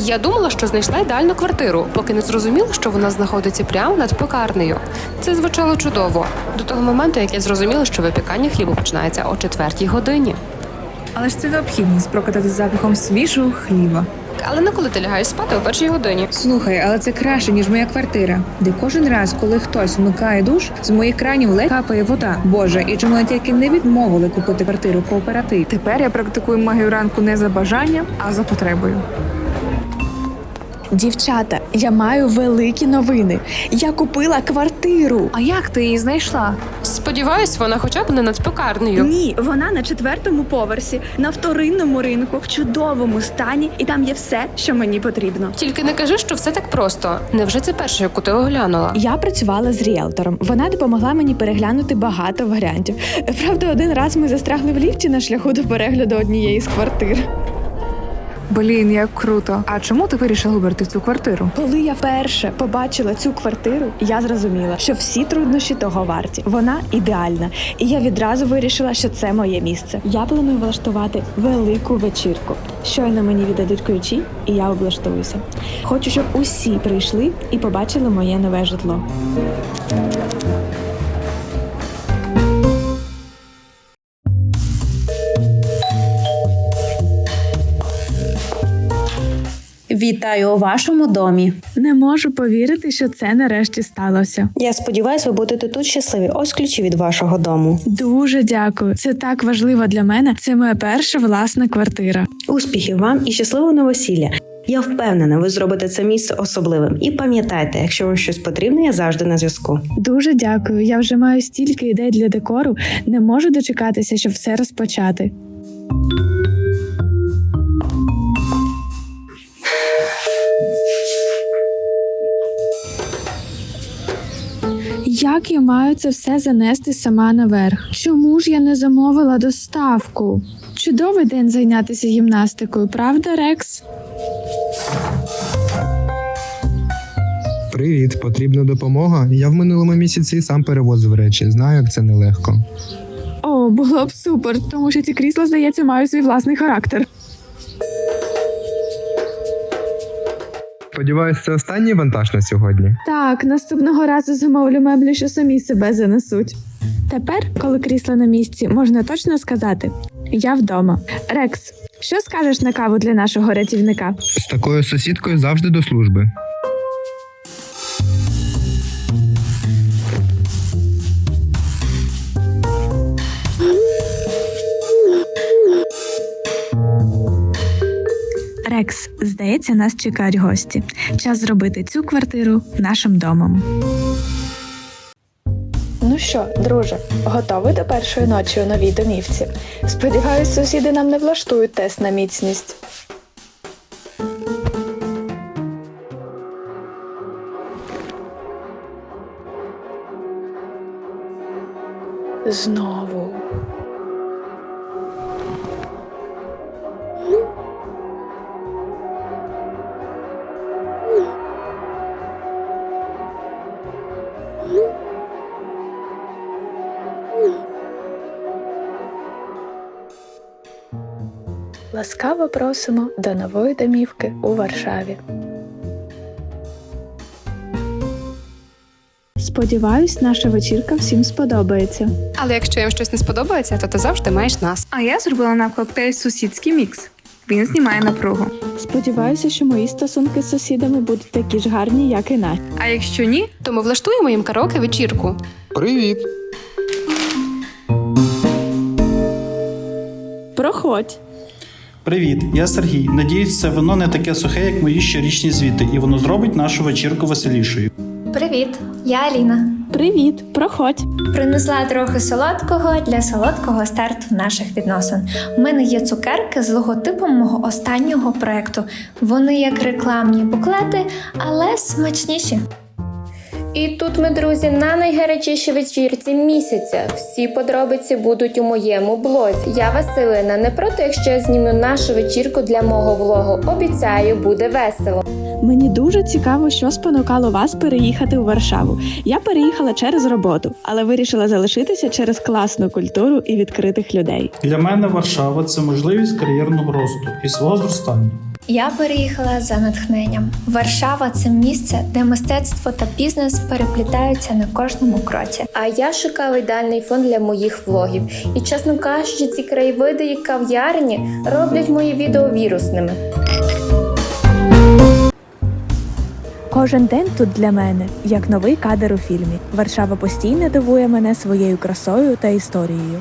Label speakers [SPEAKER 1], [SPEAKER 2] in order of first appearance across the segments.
[SPEAKER 1] Я думала, що знайшла ідеальну квартиру, поки не зрозуміла, що вона знаходиться прямо над пекарнею. Це звучало чудово. До того моменту, як я зрозуміла, що випікання хлібу починається о 4-й годині.
[SPEAKER 2] Але ж це необхідність прокатати запахом свіжого хліба.
[SPEAKER 1] Але не коли ти лягаєш спати о 1-й годині.
[SPEAKER 2] Слухай, але це краще, ніж моя квартира, де кожен раз, коли хтось вмикає душ, з моїх кранів ледь капає вода. Боже, і чому тільки не відмовили купити квартиру кооператив? Тепер я практикую магію ранку не за бажанням, а за потребою.
[SPEAKER 3] Дівчата, я маю великі новини. Я купила квартиру.
[SPEAKER 2] А як ти її знайшла?
[SPEAKER 1] Сподіваюсь, вона хоча б не над пекарнею.
[SPEAKER 4] Ні, вона на 4-му поверсі, на вторинному ринку, в чудовому стані, і там є все, що мені потрібно.
[SPEAKER 1] Тільки не кажи, що все так просто. Невже це перше, яку ти оглянула?
[SPEAKER 3] Я працювала з ріелтором. Вона допомогла мені переглянути багато варіантів. Правда, один раз ми застрягли в ліфті на шляху до перегляду однієї з квартир.
[SPEAKER 2] Блін, як круто. А чому ти вирішила вибрати цю квартиру?
[SPEAKER 3] Коли я вперше побачила цю квартиру, я зрозуміла, що всі труднощі того варті. Вона ідеальна. І я відразу вирішила, що це моє місце. Я планую влаштувати велику вечірку. Щойно мені віддадуть ключі, і я облаштуюся. Хочу, щоб усі прийшли і побачили моє нове житло.
[SPEAKER 5] Вітаю у вашому домі.
[SPEAKER 3] Не можу повірити, що це нарешті сталося.
[SPEAKER 5] Я сподіваюся, ви будете тут щасливі. Ось ключі від вашого дому.
[SPEAKER 3] Дуже дякую. Це так важливо для мене. Це моя перша власна квартира.
[SPEAKER 5] Успіхів вам і щасливого новосілля. Я впевнена, ви зробите це місце особливим. І пам'ятайте, якщо вам щось потрібно, я завжди на зв'язку.
[SPEAKER 3] Дуже дякую. Я вже маю стільки ідей для декору. Не можу дочекатися, щоб все розпочати. Як я маю це все занести сама наверх? Чому ж я не замовила доставку? Чудовий день зайнятися гімнастикою, правда, Рекс?
[SPEAKER 6] Привіт, потрібна допомога? Я в минулому місяці сам перевозив речі, знаю, як це нелегко.
[SPEAKER 3] О, було б супер, тому що ці крісла, здається, мають свій власний характер.
[SPEAKER 6] Сподіваюсь, це останній вантаж на сьогодні?
[SPEAKER 3] Так, наступного разу замовлю меблі, що самі себе занесуть. Тепер, коли крісла на місці, можна точно сказати – я вдома. Рекс, що скажеш на каву для нашого рятівника?
[SPEAKER 6] З такою сусідкою завжди до служби.
[SPEAKER 3] Рекс, здається, нас чекають гості. Час зробити цю квартиру нашим домом. Ну що, друже, готовий до першої ночі у новій домівці? Сподіваюсь, сусіди нам не влаштують тест на міцність. Знову. Ласкаво просимо до нової домівки у Варшаві. Сподіваюсь, наша вечірка всім сподобається.
[SPEAKER 1] Але якщо їм щось не сподобається, то ти завжди маєш нас.
[SPEAKER 2] А я зробила нам коктейль «Сусідський мікс». Він знімає напругу.
[SPEAKER 3] Сподіваюся, що мої стосунки з сусідами будуть такі ж гарні, як і наші.
[SPEAKER 2] А якщо ні,
[SPEAKER 1] То ми влаштуємо їм караоке-вечірку.
[SPEAKER 6] Привіт!
[SPEAKER 3] Проходь.
[SPEAKER 7] Привіт, я Сергій. Надіюсь, це вино не таке сухе, як мої щорічні звіти, і воно зробить нашу вечірку веселішою.
[SPEAKER 8] Привіт, я Аліна.
[SPEAKER 3] Привіт, проходь.
[SPEAKER 8] Принесла трохи солодкого для солодкого старту наших відносин. У мене є цукерки з логотипом мого останнього проєкту. Вони як рекламні буклети, але смачніші.
[SPEAKER 9] І тут ми, друзі, на найгарячішій вечірці місяця. Всі подробиці будуть у моєму блозі. Я Василина, не проти, якщо я зніму нашу вечірку для мого влогу. Обіцяю, буде весело.
[SPEAKER 3] Мені дуже цікаво, що спонукало вас переїхати у Варшаву. Я переїхала через роботу, але вирішила залишитися через класну культуру і відкритих людей.
[SPEAKER 7] Для мене Варшава – це можливість кар'єрного росту і свого зростання.
[SPEAKER 8] Я переїхала за натхненням. Варшава – це місце, де мистецтво та бізнес переплітаються на кожному кроці.
[SPEAKER 9] А я шукала ідеальний фон для моїх влогів. І, чесно кажучи, ці краєвиди і кав'ярні роблять мої відео вірусними.
[SPEAKER 3] Кожен день тут для мене як новий кадр у фільмі. Варшава постійно дивує мене своєю красою та історією.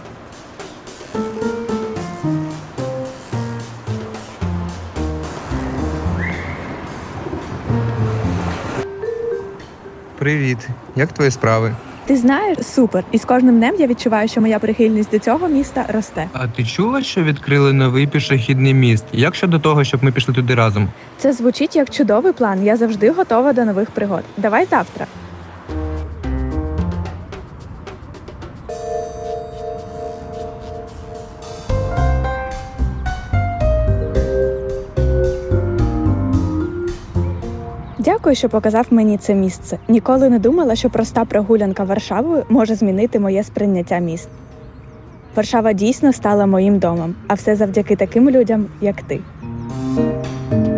[SPEAKER 6] Привіт, як твої справи?
[SPEAKER 3] Ти знаєш, супер. І з кожним днем я відчуваю, що моя прихильність до цього міста росте.
[SPEAKER 6] А ти чула, що відкрили новий пішохідний міст? Як щодо того, щоб ми пішли туди разом?
[SPEAKER 3] Це звучить як чудовий план. Я завжди готова до нових пригод. Давай завтра. Дякую, що показав мені це місце. Ніколи не думала, що проста прогулянка Варшавою може змінити моє сприйняття міст. Варшава дійсно стала моїм домом, а все завдяки таким людям, як ти.